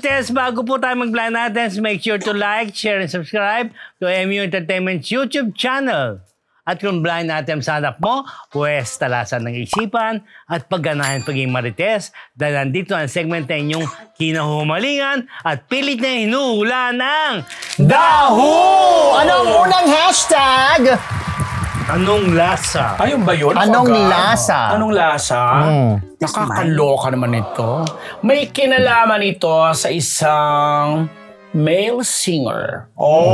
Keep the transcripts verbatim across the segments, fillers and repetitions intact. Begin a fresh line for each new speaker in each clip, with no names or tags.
Marites, bago po tayo mag-blind items, make sure to like, share, and subscribe to M U Entertainment's YouTube channel. At kung blind items hanap mo, pwes talasan ng isipan at pagganahan paging Marites dahil nandito ang segment na inyong kinahumalingan at pilit na hinuhula ng
Daho! Ano ang unang hashtag?
Anong lasa?
Ayun ba yun?
Anong
Agad?
lasa?
Anong lasa?
Mm.
Nakakaloka naman ito. May kinalaman ito sa isang male singer.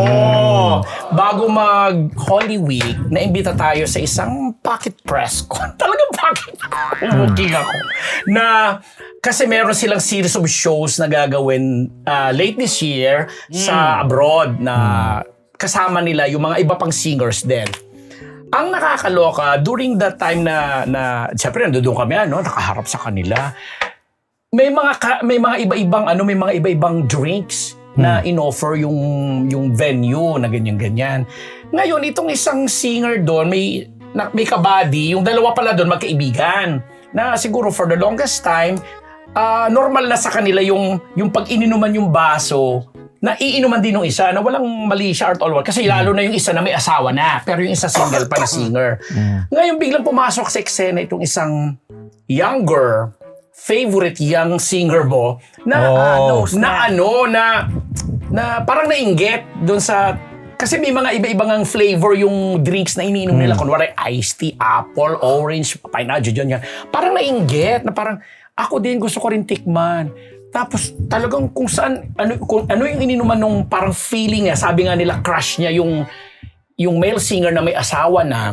Oh! Bago mag Holy Week, naimbita tayo sa isang pocket press con. Talagang pocket. Umuking ako. Na kasi meron silang series of shows na gagawin uh, late this year mm. sa abroad na kasama nila yung mga iba pang singers din. Ang nakakaloka, during that time na, na siyempre nandoon kami, ano, nakaharap sa kanila, may mga, ka, may mga iba-ibang, ano, may mga iba-ibang drinks hmm. na inoffer yung, yung venue na ganyan-ganyan. Ngayon, itong isang singer doon, may, na, may kabady, yung dalawa pala doon magkaibigan, na siguro for the longest time, uh, normal na sa kanila yung, yung pag ininuman yung baso, na iinuman din ng isa na walang mali siya art all work. Kasi lalo na yung isa na may asawa na, pero yung isa single pa na singer. Mm. Ngayon biglang pumasok sa eksena itong isang younger, favorite young singer mo na
Oh.
ano, na ano, na, na parang nainggit doon sa, kasi may mga iba-ibang ang flavor yung drinks na iniinom mm. nila. Kunwari iced tea, apple, orange, pineapple, dyan, yan. Parang nainggit na parang, ako din gusto ko rin tikman. Tapos talagang kung saan, ano, kung, ano yung ininuman nung parang feeling niya, sabi nga nila crush niya yung, yung male singer na may asawa na,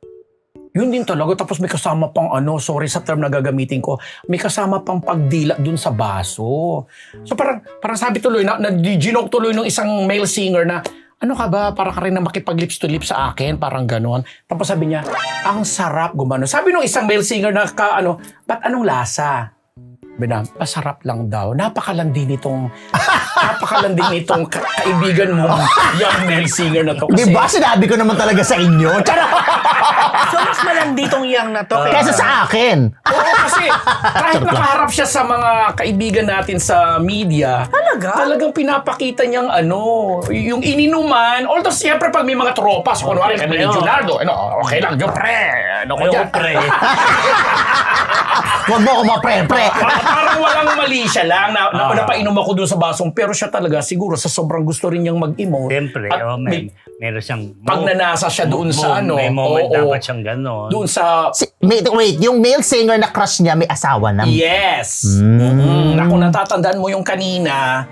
yun din talaga. Tapos may kasama pang ano, sorry sa term na gagamitin ko, may kasama pang pagdila dun sa baso. So parang, parang sabi tuloy, na, na ginok tuloy ng isang male singer na, ano ka ba, para ka rin na makipag-lips to lips sa akin, parang ganon. Tapos sabi niya, ang sarap gumano. Sabi nung isang male singer na, ka, ano, ba't anong lasa? Binam, masarap lang daw. Napakalandi nitong, napakalandi nitong ka- kaibigan mo, young male singer na to. Kasi,
Di ba sinabi ko naman talaga sa inyo? Charot!
So, mas malandi tong yang na to.
Kesa sa akin.
Oo, kasi kahit nakaharap siya sa mga kaibigan natin sa media,
Talaga?
talagang pinapakita niyang ano, y- yung ininuman, although siyempre pag may mga tropa, so kunwari kami ni
Oo.
Junardo, ano, okay lang, yo pre, ano ko
Ayoko,
dyan?
pre.
Huwag mo ako mapre-pre.
Pa- parang walang mali siya lang na, na
Ah.
napainom ako doon sa basong, pero siya talaga siguro sa sobrang gusto rin niyang mag-emote.
Siyempre,
at
oh,
may
may, meron siyang...
pag nanasa siya doon sa ano,
May moment
oo,
dapat siyang gano'n.
doon sa
Si, wait, wait, yung male singer na crush niya may asawa na.
yes.
Mm.
Mm-mm. Naku, natatandaan mo yung kanina.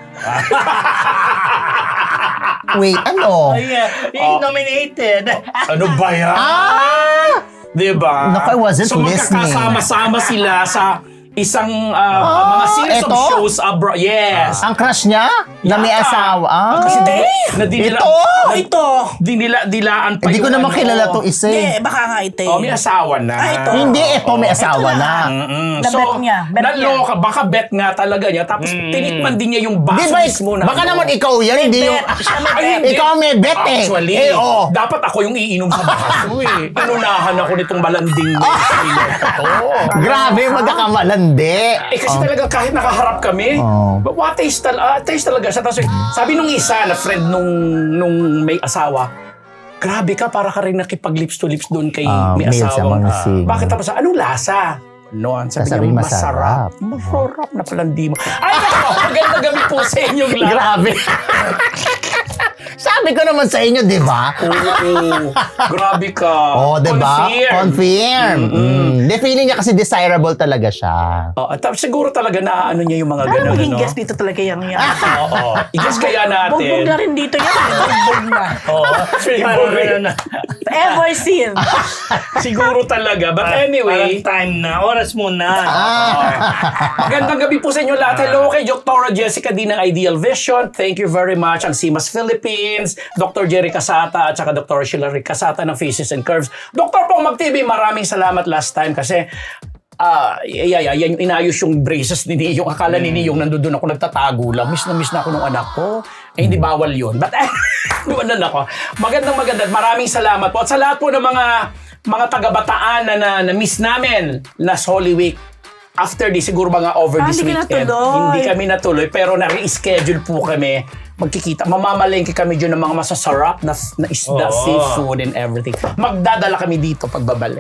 Wait, ano?
Ay, uh, yung nominated.
Ano ba yan?
Ah!
Diba?
Naku, I wasn't
so,
listening.
magkakasama-sama sila sa isang uh,
Ah,
mga series
eto?
of shows abroad. Yes.
Ang crush niya? Na may
Yata.
asawa? Ah.
Kasi di, na di nila,
Ito!
na-
ito.
Dinila, dilaan pa
Hindi ko
yung
naman
ano.
kilala tong isa
Hindi,
eh.
baka nga ito eh.
Oh, may asawa na.
Ah, ito.
Hindi, ito may asawa
Ito
na.
na.
Mm-mm.
Na-bet niya, bet
naloka, baka bet nga talaga niya. Tapos tinikman din niya yung
Di
baso
ba,
mismo na.
baka
ano.
naman ikaw yan, hindi yung...
Bet. Siya may
Ay,
bet.
hindi.
Ikaw may bet eh.
Actually,
Eh, oo.
dapat ako yung iinom sa baso eh. Inunahan ako nitong malanding singer na to.
Grabe, magkakamalandi.
Eh kasi talaga kahit nakaharap kami,
Oh.
but what taste, tal- ah, taste talaga siya. Tapos sabi nung isa na friend nung, nung may asawa, grabe ka, para ka rin nakipag-lips to lips doon kay
Ah,
may
male sa
asawang.
mga
Ah,
singer.
bakit tapos, anong lasa? Noon, sabi
Sasabihin
niya,
masarap.
masarap. Masarap na palandi mo. Ay, nako, magandang gabi po sa inyong lahat.
Grabe. Sabi ko naman sa inyo, di ba?
Oo, grabe ka.
Oh, di ba?
Confirm.
Confirm. Mm. Di, feeling niya kasi desirable talaga siya.
Oh, at tapos siguro talaga na ano niya yung mga
Para
ganun.
maging
ano?
guest dito talaga yung yan.
Oo. I-guess kaya natin.
Bugbog na rin dito yan. Bugbog na.
Oo. Siguro,
Parang na.
Ever seen.
siguro talaga. But
Parang
anyway,
time na. Oras mo na.
magandang gabi po sa inyo lahat. Hello kay Doctor Jessica D ng Ideal Vision. Thank you very much. Ang C M A S Philippines, Doctor Jerry Casata at saka Doctor Sheila Rick Casata ng Faces and Curves. Doctor Pong Mag T V, maraming salamat last time kasi ah, yeah, yeah, yan yung inayos yung braces ni Niyong. Akala ni Niyong nandoon ako nagtatago lang. Miss na miss na ako ng anak ko. Eh, hindi bawal yun. But, eh, lumanan ako. Magandang maganda. Maraming salamat po. At sa lahat po ng mga mga taga-Bataan na, na, na miss namin last Holy Week, after this, siguro mga over
Ah,
this
hindi ka
weekend,
natuloy.
hindi kami natuloy, pero na-reschedule po kami. Magkikita, mamamalengke kami dyan ng mga masasarap na, na isda,
Oo.
seafood and everything. Magdadala kami dito pagbabalik.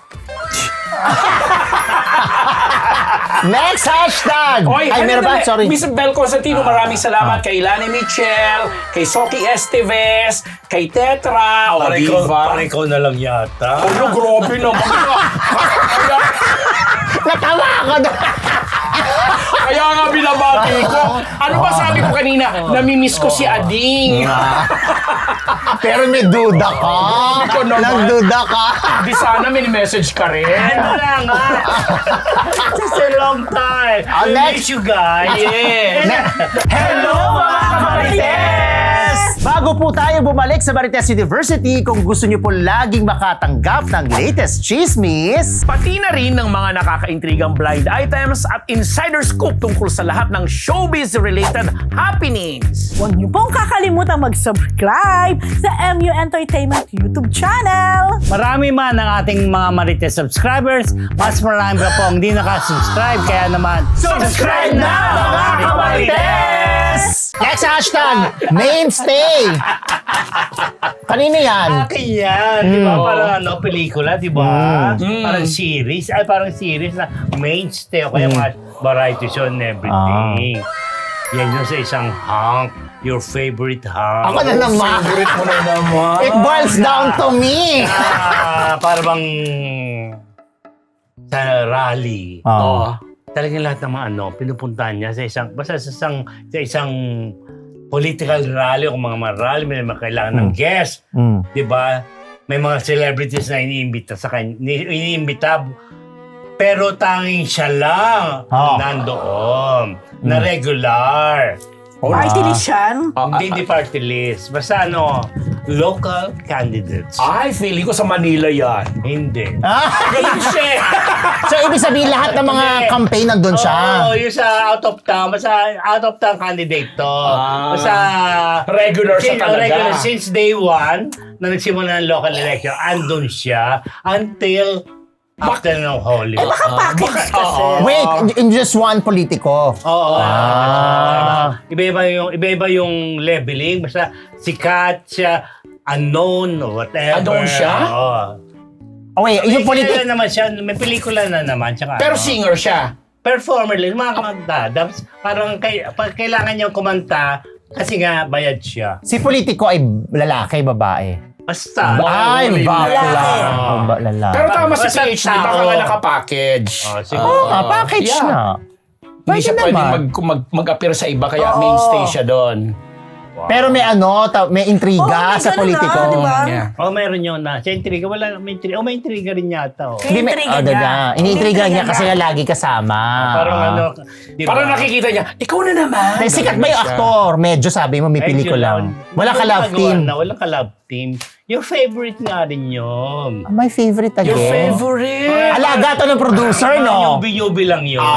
Next hashtag!
Oy,
Ay,
ano
meron ba?
na-
Sorry.
Miss Bel Constantino, maraming salamat kay Lani Michel, kay Soki Esteves, kay Tetra, o
Pare ko,
diba?
pare ko na lang yata.
Ano, grabe naman. Kaya,
Natawa ako doon.
kaya nga binabati ko. Ano ba sabi ko kanina? Namimiss ko si Ading.
Pero may duda ka.
Hindi ko naman.
Nagduda ka.
Di sana may message ka rin.
Wala nga. It's a long time.
Ah,
We
next.
miss you guys. Yes.
Hello mga kamarites!
Bago po tayo bumalik sa Marites University, kung gusto niyo po laging makatanggap ng latest chismis,
Pati na rin ng mga nakakaintrigang blind items at insider scoop tungkol sa lahat ng showbiz-related happenings.
Huwag niyo pong kakalimutan mag-subscribe sa M U Entertainment YouTube channel.
Marami man ang ating mga Marites subscribers, mas marami pa po ang hindi nakasubscribe. Kaya naman,
Subscribe na, mga kamarites!
next hashtag, mainstay. Kanino yan?
akin yan. Di ba? Parang ano, pelikula, di ba? Parang series. Ay, parang series na mainstay o kaya mga variety show and everything. Yan yung sa isang hunk. Your favorite hunk.
Ako na naman.
Favorite mo na naman.
It boils down to me.
Ah, para bang sa rally.
Oh.
Talagang lahat ng mga ano, pinupuntahan niya sa isang, basta sa isang, sa isang political rally o mga mga rally, may mga kailangan ng guest.
Mm.
Di ba? May mga celebrities na iniimbita sa kanya, ni- iniimbita, pero tanging siya lang
Ah.
nandoon, na regular.
Party list yan.
Ah,
Hindi di party list. Basta ano, local candidates.
Ay, feeling ko sa Manila yan.
Hindi.
Ah,
Ganun siya.
so, ibig sabihin lahat ng mga
Hindi.
campaign nandun siya.
Oo, yung sa out of town. Basta out of town candidate to.
Ah.
Basta
Regular siya
since,
talaga.
Regular, since day one, na nagsimula ng local election, andun siya until after ng Holy Week.
Package kasi.
Wait, in just one politiko.
Oo.
Ah.
Iba-iba yung, iba-iba yung leveling. Basta sikat siya, unknown, or whatever.
Unknown siya?
Oo.
Oh, wait,
May
yung politik...
kilala naman siya, may pelikula na naman. Tsaka,
Pero
ano,
singer siya.
performer lang, mga kumanta. Dapat parang kay, pag kailangan niyang kumanta, kasi nga bayad siya.
Si politiko ay lalaki, babae.
Basta.
Ay,
Lalaki.
bakla.
Oo.
Oh, ba- lalaki.
Pero tama si
Basta
P H D, baka
tao.
nga nakapackage.
Oh, sige.
Oo nga, package
Yeah.
na.
Hindi
Pwede
siya pwede
naman.
mag, mag, mag-appear sa iba, kaya
Oo.
mainstay siya doon.
Pero may ano, ta- may intriga
Oo, may
sa
ganun
politiko.
na, di ba?
Yeah.
Oh, meron yun na. Sa intriga, wala, may intriga. Oh, may intriga rin yata. Oh.
Hindi, may,
Intriga
oh,
niya.
dada. Iniintriga niya
Intriga
kasi
niya.
nga lagi kasama.
Parang ano, di ba?
Parang nakikita niya, ikaw na naman.
Eh, sikat ba yung
Siya.
aktor? Medyo sabi mo may
Medyo
pelikula.
lang.
Wala ka love
Nagawa
team.
Na, wala ka love team. Your favorite nga rin yun.
Ah, my favorite again.
Your favorite.
Alaga to ng producer, no?
Yubi-yubi lang yun.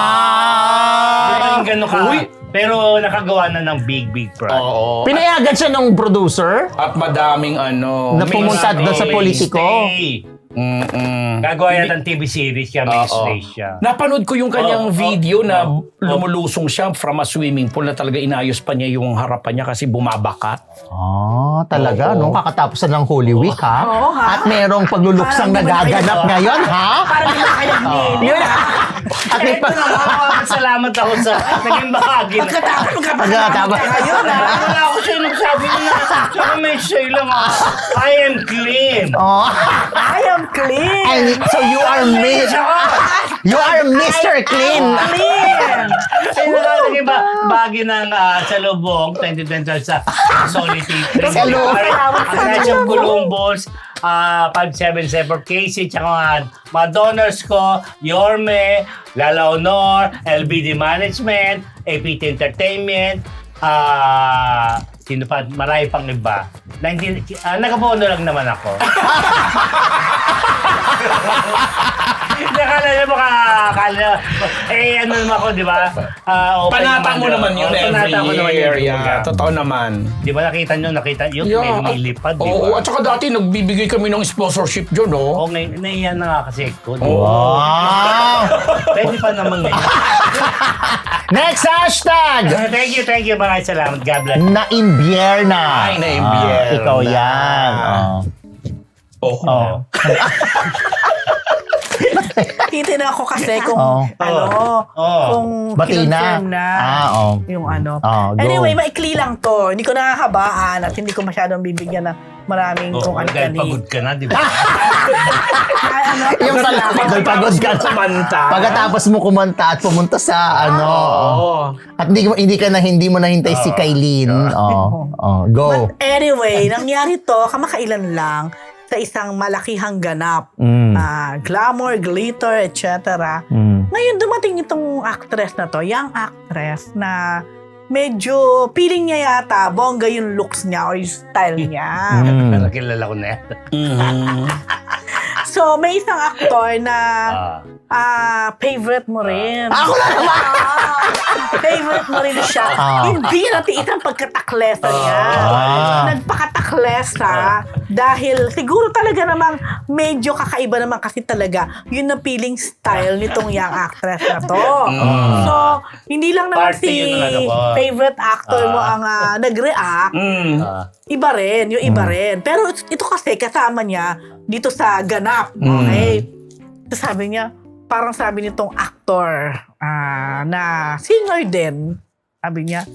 Ah!
Di ba yung gano'n ka?
Uy.
Pero nakagawa na ng big, big project.
Oo.
Pinayagan siya ng producer?
At madaming ano.
Na pumunta doon sa politiko?
Stay.
Mm-mm.
Gagawa yan ng T V series kaya may
Oo.
stay siya.
Napanood ko yung kanyang
Oo, oo,
video na
oo.
lumulusong siya from a swimming pool na talaga inayos pa niya yung harapan niya kasi bumabakat.
Ah, talaga,
Oo.
no? Kakatapos na ng Holy Week, ha?
Oo, ha?
At merong pagluluksang
Parang di ba
nagaganap
kayo-
ngayon, ha?
Parang di ba kayo nagmili?
Yun. At may
Ito
pa...
na, maraming ako sa naging bahagi na.
Pagkatapos,
Pagkatapos.
magkapagkatapos ka ngayon, ha?
Wala ako siya nagsabi na. Saka may say lang ah. I am clean.
Oh.
I am clean.
And so you are mi- You are Mister Clean.
Clean.
Ay, nakalagay ba bahagi ng uh, sa lubong twenty twenty sa Solitude.
Sa lubong.
Ang National Columbus, uh, five seven seven for Casey, tsaka mga, mga donors ko, Yorme, Lala Honor, L B D Management, A P T Entertainment, ah, sino pa, marami pang iba. nineteen, uh, nakabono lang naman ako. Nakala niya baka, akala, Eh, ano naman ako, di ba? Ah, open
Panata mo naman yun
Oh,
every
panata ko naman
year.
yun.
Yeah, totoo naman.
Di ba nakita nyo, nakita yun, may lumilipad, di
Oo,
ba?
at saka dati nagbibigay kami ng sponsorship dyan, no?
Oo, ngayon, naiyan na nga kasi ko. di ba?
Wow!
Pwede pa naman ngayon.
Next hashtag!
Thank you, thank you. Maraming salamat. God bless.
Na-imbierna.
Ay, na-imbierna.
Ah, ikaw yan. Oh.
Oo.
Oh.
Titignan ako kasi kung
Oh.
ano,
Oh.
kung
Bati na.
kinonfirm na
Ah, oh.
yung ano.
Oh, go.
Anyway, maikli lang to. Hindi ko nakakabaan at hindi ko masyadong bibigyan ng maraming
Oh,
kung ano
dahil pagod ka na, di ba?
Ay, ano,
Yung pala, pagod, pagod ka.
Kumanta.
Pagkatapos mo kumanta at pumunta sa ano.
Oo.
At hindi, mo- hindi ka na, hindi mo nahintay si Kailin. Oh. Oh. Go.
But anyway, nangyari to kamakailan lang sa isang malakihang ganap.
Mm.
Ah, glamour, glitter, et cetera.
Mm.
Ngayon dumating itong actress na to, young actress na medyo feeling niya yata bongga yung looks niya or yung style niya.
Mm.
Pero kilala ko na yan.
Mhm.
So may isang actor na
Ah.
ah favorite mo rin.
Ako na naman!
Ah, favorite mo rin siya.
Ah.
Hindi natin isang pagkataklesa niya.
Ah.
Nagpakataklesa dahil siguro talaga namang medyo kakaiba naman kasi talaga yun na feeling style nitong young actress na to. So, hindi lang naman
Party
si
yun ang ano ko.
favorite actor mo ang ah, nag-react.
Mm.
Ah.
Iba rin, yung iba rin. Pero ito kasi kasama niya dito sa ganap. Okay? So sabi niya, parang sabi nitong actor ah, na singer din. Sabi niya,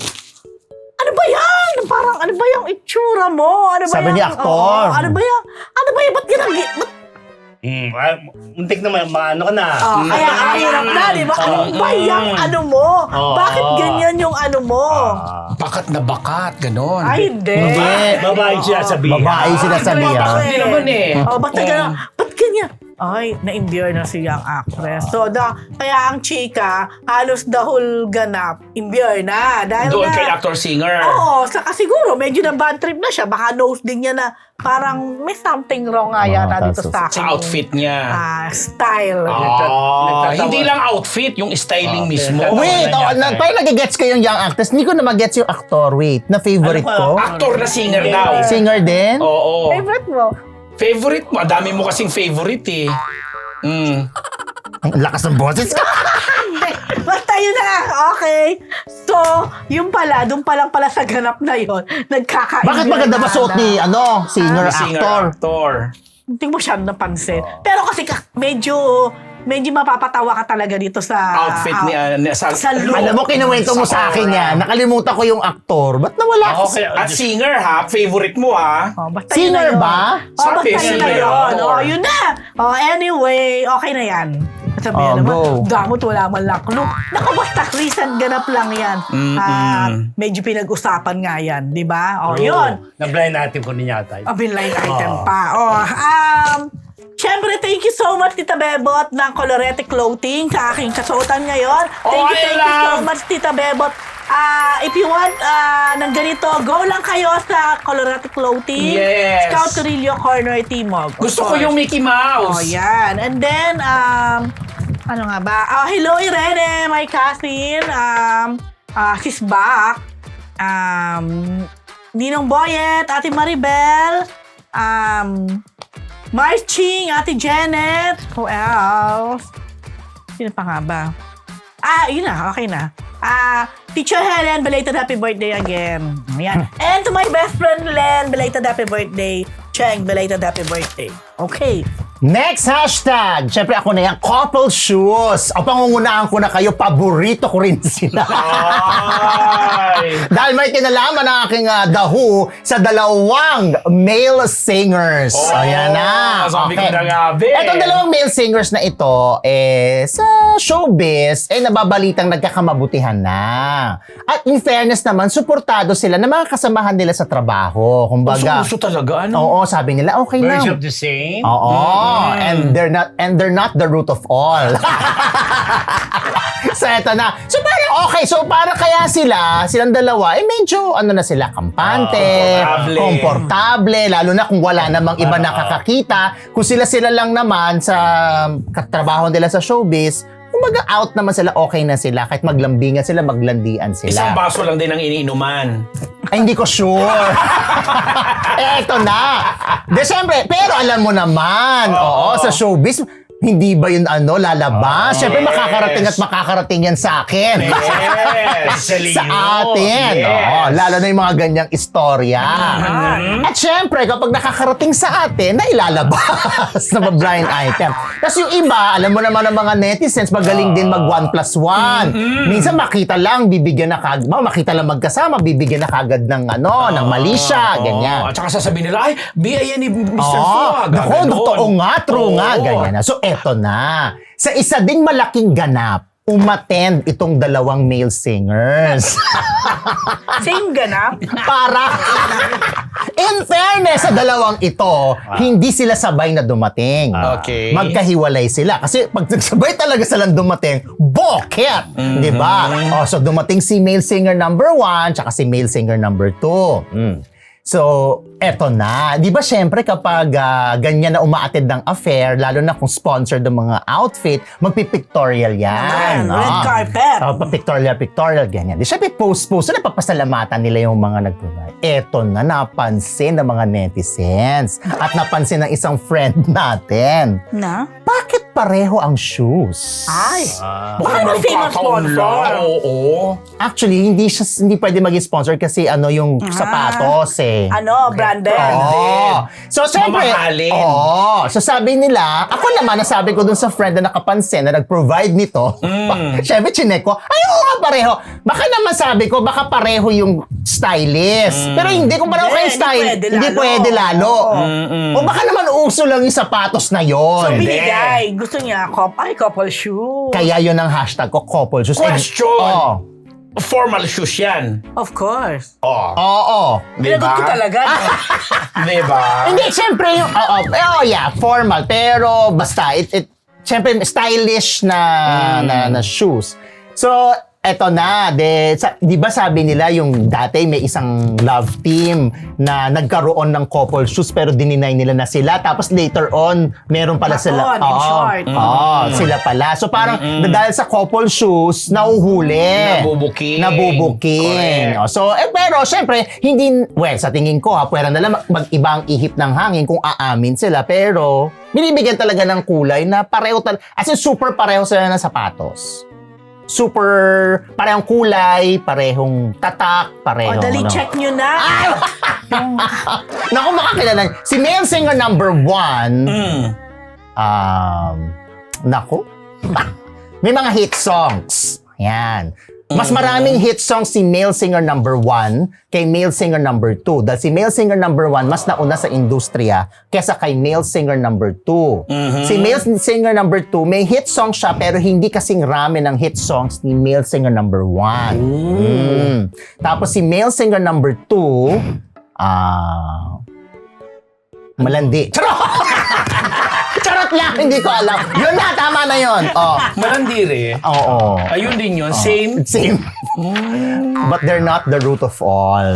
ano ba yan? Parang ano ba yung itsura mo? Ano ba
Sabi
yung,
ni aktor.
Oo, ano ba yan? Ano ba yan? Ba't yan ang... Ba't,
Hmm. Ah, muntik naman, maano ka na.
oh, kaya ahirap na, di ba? Ano ba yung ano mo?
Oo.
Bakit ganyan yung ano mo?
Ah.
Bakat na bakat, ganon.
Ay, hindi.
Hindi.
Babae siya sabihin.
Babae sila sabihan.
Hindi naman eh.
Oh, ba't ka gano'n? Ba't ganyan? Ay, na-imbure na si young actress. So, da, kaya ang chika, halos the whole ganap, imbure na. Dahil
Doon
na,
kay actor-singer.
Oo, saka siguro, medyo na bad trip na siya. Baka nose din niya na parang may something wrong nga yata
Ah,
dito
sa-
sa akin.
Sa outfit niya.
Ah, style.
Ah,
Nagtatawa.
hindi lang outfit, yung styling
Ah,
mismo.
nagtatawa.
Wait, oh, na, parang nagigets ko yung young actress. Hindi ko na magets yung actor. Wait, na favorite
Ano
ko.
ba?
Actor na singer daw.
Singer din?
Oo.
Favorite mo?
Favorite mo. Dami mo kasing favorite eh. Mm.
Ang lakas ng boses ko.
Hindi. Basta yun na. Okay. So, yung pala, doon pa lang pala sa ganap na yun, nagkaka
Bakit maganda ba suot ni ano, singer,
Singer,
actor?
actor.
Hindi mo siya napansin. Pero kasi ka, medyo, medyo mapapatawa ka talaga dito sa...
Outfit ni, uh, ni- sa,
sa look.
Alam mo, kinuwento mo sa akin yan. Nakalimutan ko yung actor. Ba't nawala ko?
Okay.
At singer ha, favorite mo ha.
Oh, basta
Singer
yun na yun.
ba?
Oh,
Sabi,
basta yun na
singer,
yun.
actor.
Oh, yun na. Oh, anyway, okay na yan. Sabihin
Oh,
naman,
go.
damot wala man lang clue. Naku, basta recent ganap lang yan. Ah, medyo pinag-usapan nga yan, di ba? Oh, yun.
Na-blind natin ko niya tayo.
Oh, binline item
Oh.
pa. Oh, um, Siyempre, thank you so much, Tita Bebot, ng Colorete Clothing sa aking kasuotan ngayon. Thank
Oh,
you,
I
thank you so
love-
much, Tita Bebot. Ah, if you want ah, ng ganito, go lang kayo sa Colorete Clothing.
Yes.
Scout Torillo Corner Timog. Of
Gusto ko
course.
yung Mickey
Oh,
Mouse.
yan. And then, um, ano nga ba? Oh, hello, Irene, my cousin. Um, ah, she's back. Um, Ninong Boyet, Ate Maribel. Um, Marching, Ate Janet. Who else? Sino pa nga ba? Ah, yun na. Okay na. Ah, Teacher Helen, belated happy birthday again. Ayan. And to my best friend Len, belated happy birthday. Cheng, belated happy birthday. Okay.
Next hashtag. Siyempre ako na yan. Couple shoes. O pangungunahan ko na kayo. Paborito ko rin sila.
Ay.
Dahil may kinalaman ang aking uh, The Who sa dalawang male singers.
Oh,
Ayan na.
sabi ko na nga, be.
Etong dalawang male singers na ito, eh, sa showbiz, eh, nababalitang nagkakamabutihan na. At in fairness naman, suportado sila ng mga kasamahan nila sa trabaho. Kumbaga,
Uso talaga, ano?
oo, sabi nila, okay
Birds
lang.
of the same.
Oo, and they're not and they're not the root of all. So eto na. So parang okay, so para kaya sila, silang dalawa, eh medyo ano na sila, kampante,
Ah, komportable.
komportable, lalo na kung wala namang iba nakakakita. Kung sila-sila lang naman sa katrabaho nila sa showbiz, kumbaga out naman sila, okay na sila. Kahit maglambingan sila, maglandian sila.
Isang baso lang din ang iniinuman.
Ay, hindi ko sure. eh, eto na. De, syempre, pero alam mo naman, oo, sa showbiz, hindi ba yun ano, lalabas? Syempre,
yes.
makakarating at makakarating yan sa akin.
Yes!
sa atin.
Yes.
Oo, lalo na yung mga ganyang istorya.
Mm-hmm.
At syempre, kapag nakakarating sa atin, na ilalabas na mga blind item. Tapos yung iba, alam mo naman ang mga netizens, magaling din mag one plus one.
Mm-hmm.
Minsan makita lang, bibigyan na kagad. Makita lang magkasama, bibigyan na kagad ng ano, ng mali siya, ganyan.
At saka sasabihin nila, ay, biyaya ni mister
Oh,
Fu.
nako, totoo nga, true nga, ganyan na. So, eto na. Sa isa ding malaking ganap, umattend itong dalawang male singers.
Same ganap.
Para, in fairness sa dalawang ito, hindi sila sabay na dumating.
Okay.
Magkahiwalay sila. Kasi pag nagsabay talaga silang dumating, boket! Di ba? Oh, so dumating si male singer number one, tsaka si male singer number two. Mm. So, eto na. Di ba syempre kapag uh, ganyan na umaatid ng affair, lalo na kung sponsored ng mga outfit, magpipictorial yan.
Ayan, red
Ah.
carpet.
Oh, pa-pictorial, pictorial, ganyan. Di syempre post-post, so napapasalamatan nila yung mga nag-provide. Eto na, napansin ng mga netizens. At napansin ng isang friend natin.
Na?
Bakit pareho ang shoes?
Ay.
Baka
Baka
naman
famous
kakaon
sponsor.
lang. Oo.
Actually, hindi siya hindi pwede maging sponsor kasi ano yung
Ah.
sapatos eh.
Ano, branded.
Oo. So, syempre,
Mamahalin.
oo. So, sabi nila, ako naman, nasabi ko dun sa friend na nakapansin na nag-provide nito.
Mm.
Syempre, chinek ko, ay, oo nga, pareho. Baka naman sabi ko, baka pareho yung stylist. Pero hindi, kung pareho
Hindi,
kayo
hindi
style,
pwede
hindi
lalo.
pwede lalo. O baka naman uso lang yung sapatos na
So,
yon.
binigay. Gusto niya, cop ay, couple shoe.
Kaya yun ang hashtag ko, couple shoes.
Question.
Oo.
Formal shoes yan.
Of course.
Oh.
Oo.
Diba?
Pinagot ko talaga. no?
Diba?
Hindi, syempre yung, oo, oh, yeah, formal. Pero basta, it, it, syempre, stylish na, na, na shoes. So, eto na, de, sa, di ba sabi nila yung dati may isang love team na nagkaroon ng couple shoes pero dininay nila na sila. Tapos later on, meron pala sila.
Baton, in
Oo,
short.
oo, sila pala. So parang dahil sa couple shoes, nauhuli.
Nabubuking.
Nabubuking.
Correct.
O, So, eh, pero syempre, hindi, well, sa tingin ko ha, pwera na lang mag- mag-ibang ihip ng hangin kung aamin sila. Pero, binibigyan talaga ng kulay na pareho talaga. As in, super pareho sila ng sapatos. Super, parehong kulay, parehong tatak,
O,
parehong...
dali,
ano.
check nyo na.
Naku, makakilala. Si male singer number one,
Mm.
um, naku, may mga hit songs. Yan. Mas maraming hit songs si male singer number one kay male singer number two. Dahil si male singer number one mas nauna sa industriya kesa kay male singer number two. Si male singer number two, may hit song siya pero hindi kasing rami ng hit songs ni male singer number one. Mm. Tapos si male singer number two, ah... malandi. Charot! Charot lang, hindi ko alam. Yun na, tama na yun. Oh.
Malandiri.
Oo.
Ayun din yun. Same.
Same. But they're not the root of all.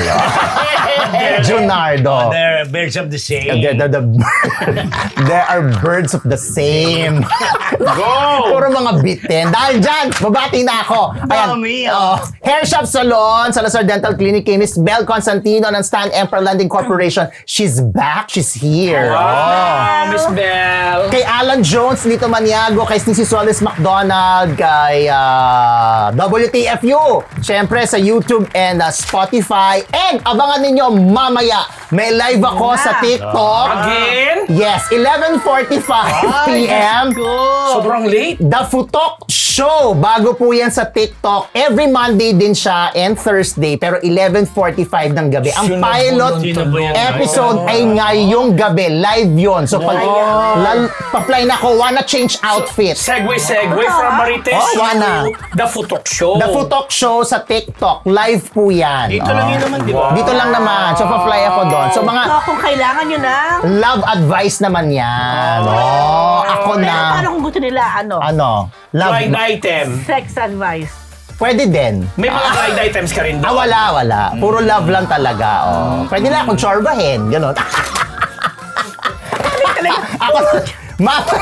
Junardo.
They're birds of the same.
They're, they're the there are birds of the same.
Go!
Puro mga bitin. Dahil dyan, babati na ako.
Dami,
oh. Hair Shop Salon, Salazar Dental Clinic, kay Miss Belle Constantino ng Stan Emperor Landing Corporation. She's back. She's here. Oh.
Wow, Miss Belle.
Kay Alan Jones, Lito Maniago, kay Sneezy Solis McDonald, kay ah, W T F U, syempre sa YouTube and ah, Spotify. And abangan ninyo mamaya, may live ako sa TikTok.
Again?
Yes, eleven forty-five p.m.
Sobrang late.
The Futok Show. Bago po yan sa TikTok. Every Monday din siya and Thursday. Pero eleven forty-five ng gabi. Ang
Sino
pilot
po yun?
Sino po yan?
episode ay ngayong gabi. Live yun. So pag lal, pa-fly na ako, wanna change outfit.
Segue, segue from Marites
Oh, wala.
to The Futok Show.
The Futok Show sa TikTok. Live po yan.
Dito lang
Oh.
yun naman, di ba?
Dito lang naman. So pa-fly ako doon. So mga
So, kung kailangan nyo na.
love advice naman yan. Oh, ako
Pero
na.
paano kung gusto nila, ano?
Ano? Love.
Blind item.
Sex advice.
Pwede din.
May mga blind items ka rin
Ah,
doon.
wala, wala. Puro love lang talaga. Oh. Pwede na akong chorbahin. Ganon. Ako, mamaya,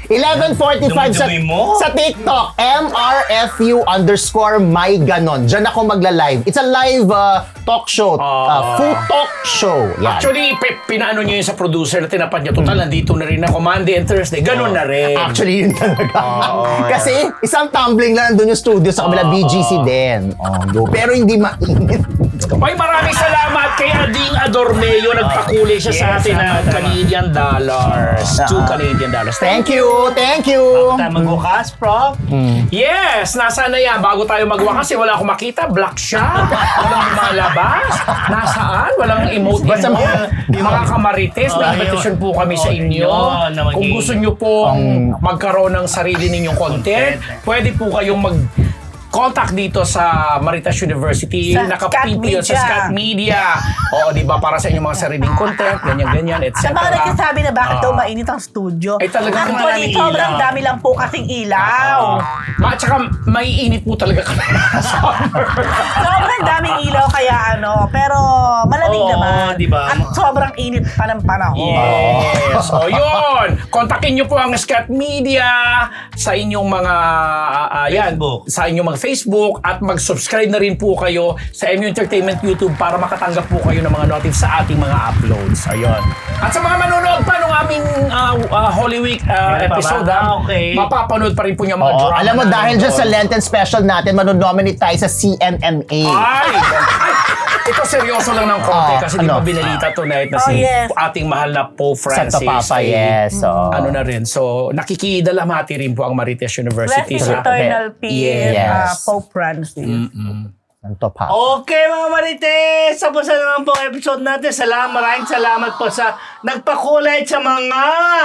eleven forty-five sa,
Dumi-dumi mo.
sa TikTok, M R F U underscore my ganon. Diyan ako magla-live. It's a live uh, talk show. Uh, food talk show. Yan.
Actually, pe- pinaano nyo yun sa producer na tinapat niya. Total, nandito na rin ako Monday and Thursday. Ganun na rin.
Actually, yun talaga. Kasi isang tumbling lang nandun yung studio sa kabila, B G C din. Oh, go. Pero hindi mainit.
Ay, maraming salamat kay Ading Adormeo. Nagpakulay siya sa
Yes,
atin ng
salamat,
Canadian dollars. Two Canadian dollars.
Thank you, thank you.
Bago tayo magbukas, Prof.
Yes! Nasaan na yan? Bago tayo magwakas, eh, wala akong makita. Black siya. Walang lumalabas. Nasaan? Walang emote.
Basta
emote.
mga-
Mga kamarites, may
Oh,
invitation po kami sa
oh,
inyo.
yun, na maging-
Kung gusto nyo pong magkaroon ng sarili ninyong content, pwede po kayong mag contact dito sa Maritas University.
Sa
Nakapin po yun sa
Scat
Scat Media. Oo, di ba? Para sa inyong mga sariling content, ganyan-ganyan, et
Sa mga
cetera.
nagsasabi na bakit daw
Ah.
mainit ang studio.
Ay, talagang
Actually,
maraming
sobrang
ilaw.
dami lang po kasing ilaw.
Ma, tsaka maiinit po talaga kami sa summer.
Sobrang daming ilaw kaya ano, pero malamig
Oo,
naman.
di ba?
At sobrang init pa ng panahon.
Yes. So, yun. Kontakin nyo po ang Scat Media sa inyong mga, uh, yan,
Facebook.
sa inyong mga Facebook at mag-subscribe na rin po kayo sa M U Entertainment YouTube para makatanggap po kayo ng mga notif sa ating mga uploads. Ayun. At sa mga manonood pa ng aming uh, uh, Holy Week uh,
Meron pa ba?
episode,
Ah,
ah,
okay.
mapapanood pa rin po niya mga
Oo,
drama.
alam mo,
namin
dahil dyan
doon.
sa Lenten special natin, manonominate tayo sa C M M A.
Ay! Ito seryoso lang ng konti
Ah,
kasi di ba
ano?
binalita tonight na
Oh,
si
yes.
ating mahal na Pope
Santo
Francis.
Papa,
ay,
yes. oo.
Ano na rin. So, nakikidalamati rin po ang Marites University
Rest in
sa...
eternal peace,
Yes.
uh, Pope Francis.
Santo Papa.
Okay mga Marites, tapos na naman po ang episode natin. Salamat, maraming salamat po sa nagpakulay sa mga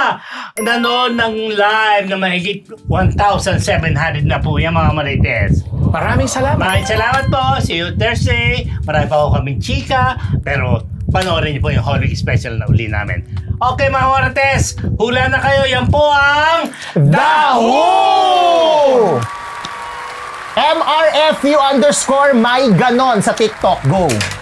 nanood ng live na mahigit one thousand seven hundred na po yan mga Marites.
Maraming salamat.
Maraming salamat po. See you Thursday. Marami pa ako kaming chika. Pero panoorin niyo po yung Holy Week special na uli namin. Okay mga Marites, hula na kayo. Yan po ang
Daho! M R F U underscore my ganon sa TikTok. Go!